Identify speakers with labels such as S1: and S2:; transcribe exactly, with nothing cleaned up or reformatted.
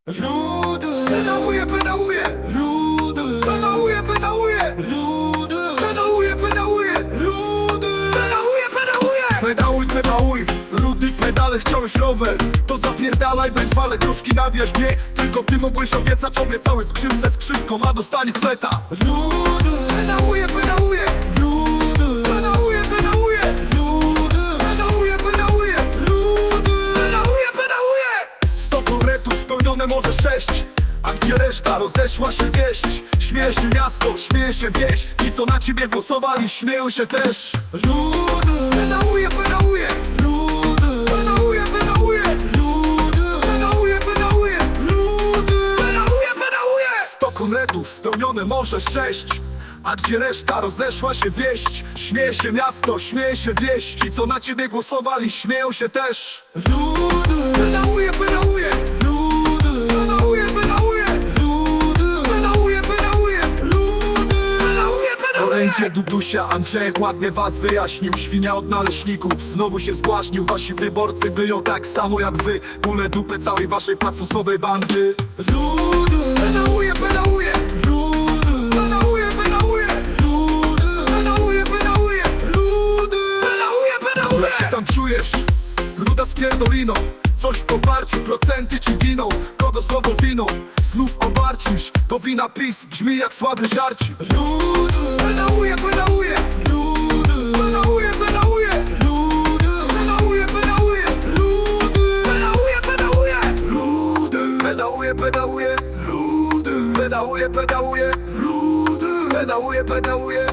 S1: Rudy, pedałuje, pedałuje, rudy, pedałuje, pedałuje, rudy, pedałuje, pedałuje, rudy, pedałuje, pedałuje. Pedałuj, pedałuj, rudy pedale, chciałeś rower, to zapierdalaj, bądź wale gruszki na wierzbie. Tylko ty mogłeś obiecać, obiecałeś skrzywce skrzywką, a dostanie fleta. Rudy, pedałuje, pedałuje, rudy, pedałuje, pedałuje, rudy, pedałuje, pedałuje, rudy, pedałuje, pedałuje. Sto proretów spełnione może sześć, a gdzie reszta? Rozeszła się wieść. Śmieje się miasto, śmieje się wieś, i co na ciebie głosowali, śmieją się też. Rudy, pedałuje, pedałuje, rudy, pedałuje, pedałuje, rudy, pedałuje, pedałuje, rudy, pedałuje, pedałuje. Sto konretów spełnione może sześć, a gdzie reszta? Rozeszła się wieść. Śmieje się miasto, śmieje się wieś, ci co na ciebie głosowali, śmieją się też. Rudy, pedałuje, pedałuje, rudy, pedałuje, pedałuje, rudy, pedałuje, pedałuje, rudy, pedałuje, pedałuje. Orędzie Dudusia Andrzejek ładnie was wyjaśnił. Świnia od naleśników znowu się zbłaźnił. Wasi wyborcy wyją tak samo jak wy. Bóle dupy całej waszej platfusowej bandy. Rudy, pedałuje, pedałuje, rudy, pedałuje, pedałuje, rudy, pedałuje, pedałuje, rudy, pedałuje, pedałuje. Jak się tam czujesz? Ruda z pierdoliną, coś w poparciu, procenty ci giną. Kogo słowo winą? Znów obarczysz, to wina PiS, brzmi jak słaby żarci. Rudy, pedałuje, pedałuje, rudy, pedałuje, pedałuje, rudy, pedałuje, pedałuje, rudy, pedałuje, pedałuje, rudy, pedałuje, pedałuje, rudy, pedałuje, pedałuje, rudy, pedałuje, pedałuje.